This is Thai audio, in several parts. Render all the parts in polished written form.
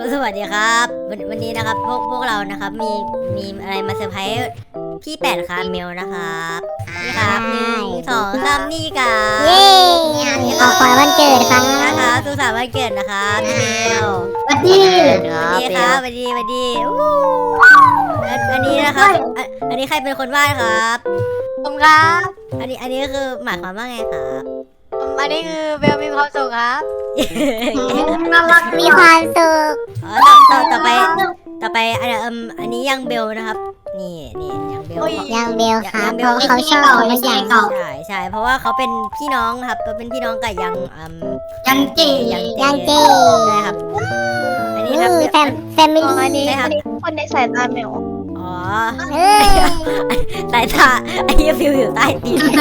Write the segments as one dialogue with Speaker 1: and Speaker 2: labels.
Speaker 1: สวัสดีครับวันนี้นะครับพวกเรานะครับมีอะไรมาเซอร์ไพรส์พี่แปดคาเมลนะครับนี่ครับ1 2 3นี่ครับ
Speaker 2: เย้ขอขวัญวันเกิดครับ
Speaker 1: นะคะสุขสันต์วันเกิดนะครับพี่เมล
Speaker 2: สวัสดี
Speaker 1: สวัสดีครับสวัสดีอันนี้นะครับอันนี้ใครเป็นคนวาดครับ
Speaker 3: ผมครับ
Speaker 1: อันนี้คือหมายความว่าไงครับ
Speaker 3: อันนี้คือเบลมีความสุขครับ
Speaker 2: น่ารักมีความสุข
Speaker 1: ต่อไปอันนี้ยังเบลนะครับนี่ยังเบล
Speaker 2: ยังเบลครับเพราะเขาชอบของมันใหญ่
Speaker 1: ใช่เพราะว่าเขาเป็นพี่น้องครับเป็นพี่น้องกับยังเจ
Speaker 2: ยังเจ
Speaker 1: ใช่ครับอันนี้ครับ
Speaker 2: แฟมิลี่
Speaker 3: อันนี้
Speaker 1: ใช่ครับ
Speaker 3: คนในสายตาแมว
Speaker 1: อ๋อ
Speaker 2: เอ้ย
Speaker 1: สายตาไอ้ฟิวอยู่ใต้ตีน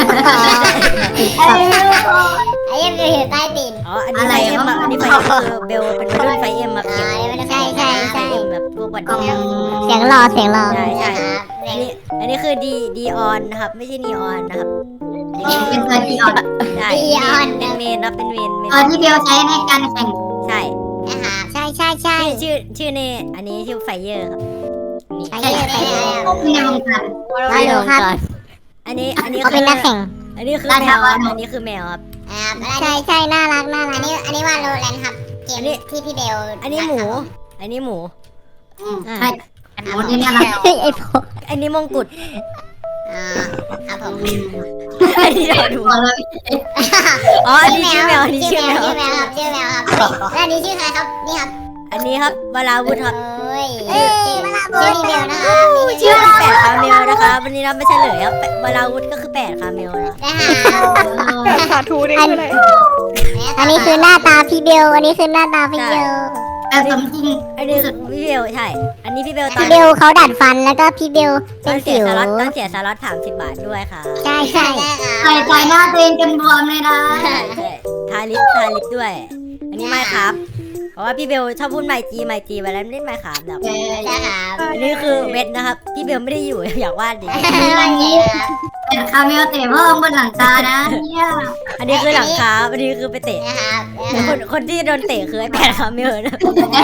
Speaker 2: ไอ้ยังเบลอยู่ใต้ตีน
Speaker 1: อ๋ออันนี้ไฟเอ็มอันนี้ไฟคือเบลเป็นรุ่นไฟเอ็มมาเก็บ
Speaker 2: ใช่
Speaker 1: ไฟเอ็มแบบพวกวันนี้
Speaker 2: เสียงรอ
Speaker 1: ใช่
Speaker 2: ครับ
Speaker 1: อันนี้คือดีออนนะครับไม่ใช่นีออนนะครับ
Speaker 4: เป็นตัวดีออน
Speaker 1: ใช่เป็นเมนนะเป็นเมน
Speaker 4: ที่เบลใช้ในการแข่ง
Speaker 1: ใช่
Speaker 2: ใช่
Speaker 1: ชื่อเนอันนี้ชื่อไฟเยอร์ครับ
Speaker 2: ไปเลย
Speaker 4: ในวงการ
Speaker 2: ไปเลยครับ
Speaker 1: อันนี้
Speaker 2: เขาเป็นนักแข่ง
Speaker 1: อันนี้คือแมวครับอันนี้คือแมวครับ
Speaker 2: ใช่น่ารักอันนี้ว่าโรแลนครับเกมที่พี่เบล
Speaker 1: อันนี้หมู อันนี้หมู
Speaker 4: ใช่โอ้ยนี่อะไร
Speaker 2: ไอ้พวก
Speaker 1: อันนี้มงกุฎ
Speaker 2: ครับผม
Speaker 1: อันนี้เราดู
Speaker 4: บอกเลย
Speaker 1: อ๋ออันนี้ชื่อแมวอันนี้ชื่อแมว
Speaker 2: ชื่อแมวครับแล้วอันนี้ชื่อใครครับนี่ครับ
Speaker 1: อันนี้ครับวราวุธครับ
Speaker 2: ชื่อพี่เบลนะครับ
Speaker 1: ชื่อแปดคาเมลนะคะวันนี้เราไม่เฉลยครับวราวุธก็คือ8 คาเมลนะ
Speaker 3: แต่สาธุนี่คืออะไร
Speaker 2: อันนี้คือหน้าตาพี่เบลอันนี้คือหน้าตาพี่เบล
Speaker 4: แต่สมจริง
Speaker 1: อันนี้พี่เบลใช่ อันนี้พี่เบลตอ
Speaker 2: พี่
Speaker 1: น
Speaker 2: เบลเขาดัดฟันแล้วก็พี่เบล
Speaker 1: ตอ
Speaker 2: เป็น น
Speaker 1: เสี
Speaker 2: สิ
Speaker 1: ยว สล็อต30 บาทด้วยค่ะ
Speaker 2: ใช่
Speaker 4: ใส่หน้าตัวเองจนบวมเลยนะ
Speaker 1: ใช่ทาลิปด้วย อันนี้ไม่ครับ เพราะว่าพี่เบลชอบพูดไมจีเวลาเล่นไมครับแบบ
Speaker 2: ใช่ครับ
Speaker 1: อันนี้คือเวทนะครับ พี่เบลไม่ได้อยู่ อยากวาดดิ
Speaker 2: วันเจ๋ครับ
Speaker 4: เป็นคาเมลเตะเพิ่มบนหลังคานะเนี่ย
Speaker 1: อันนี้คือหลังคาอันนี้คือไปเตะ
Speaker 2: นะครับ
Speaker 1: คนที่โดนเตะคือไอ้8 คาเมลนะ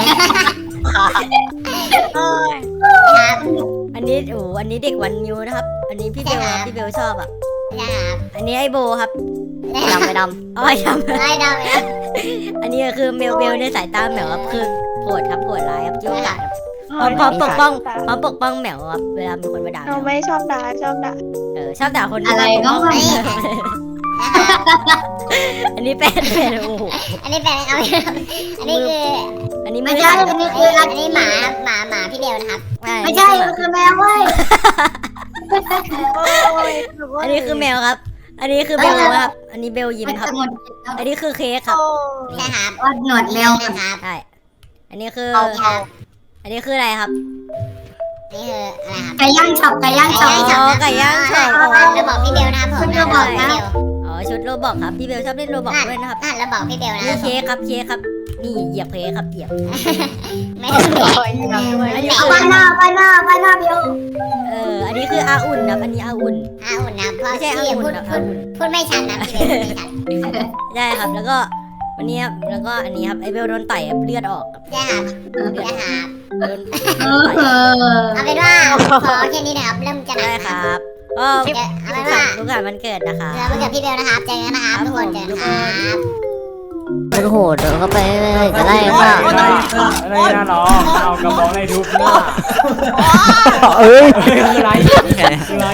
Speaker 1: อันนี้อันนี้เด็กวันมิวนะครับ อันนี้พี่เบลชอบอ่ะ อันนี้ไอโบครับดำอ๋อดำ
Speaker 2: ไม่ดำเลย
Speaker 1: อันนี้คือเบลในสายตาแมวครับคือโหดครับโหดร้ายครับยุ่งกัดพร้อมปกป้องแมวครับเวลามีคนมาด่า
Speaker 3: เราไม่ชอบด่าชอบด่า
Speaker 1: ชอบด่าคน
Speaker 4: อะไรก็ไม่
Speaker 1: อันนี้เป็นโอ้โห
Speaker 2: อันนี้เป็นเอาอันนี้คือ
Speaker 1: อันนี้
Speaker 4: ไม่
Speaker 1: ไม่
Speaker 4: ใช่
Speaker 1: ใช่
Speaker 4: อันนี้คือ
Speaker 2: อันนี้หมาพี่เบลนะครับ
Speaker 4: ไม่ใช่มันคือแมวเว้ย
Speaker 1: อันนี้คือแมวครับ อันนี้คือเบลครับ อันนี้เบลยิ้ม
Speaker 4: มัน
Speaker 1: ครับ
Speaker 4: จะหมด
Speaker 1: อันนี้คือเค้กครับ
Speaker 2: ใช่ครับ
Speaker 4: ว่าหนวดแมว
Speaker 2: นะครับ
Speaker 1: ใช่ อันนี้คือ
Speaker 2: ครับ
Speaker 1: อันนี้คืออะไรครับ
Speaker 2: นี่คืออะไรครับ
Speaker 4: ไก่ย่างช็อปไก่ย่างช็อป
Speaker 1: ไก่ย่างช็อป
Speaker 2: เราบอกพี่เบลนะครับผม
Speaker 1: อ๋อชุดโรบอกครับ พี่เบลชอบเล่นโรบอกด้วยนะครับ
Speaker 2: เราบอกพี่เบลนะ
Speaker 1: นี่เค้กครับนี่เหยียบเค้กครับเหยียบ
Speaker 2: ไม่ต้องบอก
Speaker 1: อันนี้
Speaker 4: เอา
Speaker 1: คือ
Speaker 4: ไปหน้าเบล
Speaker 1: อันนี้คืออาอุ่นครับอันนี้อาอุ่น
Speaker 2: อุ่นนะเพราะ
Speaker 1: ไม่ใช่อา
Speaker 2: พี่
Speaker 1: อุ่น
Speaker 2: พูด
Speaker 1: ครับ
Speaker 2: พูดไม่ชัดนะพี่เบลไม่ชัด
Speaker 1: ใช่ครับ แล้วก็วันนี้ครับแล้วก็อันนี้ครับไอเบลโดนต่อยครับเลือดออกครับ
Speaker 2: ใช่ครับใช่ครับ
Speaker 1: โดน
Speaker 2: เอาเป็นว่าขอแค่นี้นะครับเริ่มจะหนั
Speaker 1: ได้
Speaker 2: ก
Speaker 1: ค
Speaker 2: นะ
Speaker 1: รับก็
Speaker 2: เอาเป็นว่า
Speaker 1: ลูกหลานวันเกิดนะคะ
Speaker 2: เรามาเกิดพี่เบลนะครับเจอกันนะครับทุกคนเจอกันครับ
Speaker 1: มันโหดเข้าไปเลยจะไล่ค่ะ
Speaker 5: อะไรนะน้องเอากระบอกให้ทุบหน้า
Speaker 1: เอ้ย
Speaker 5: คืออะไรคืออะไร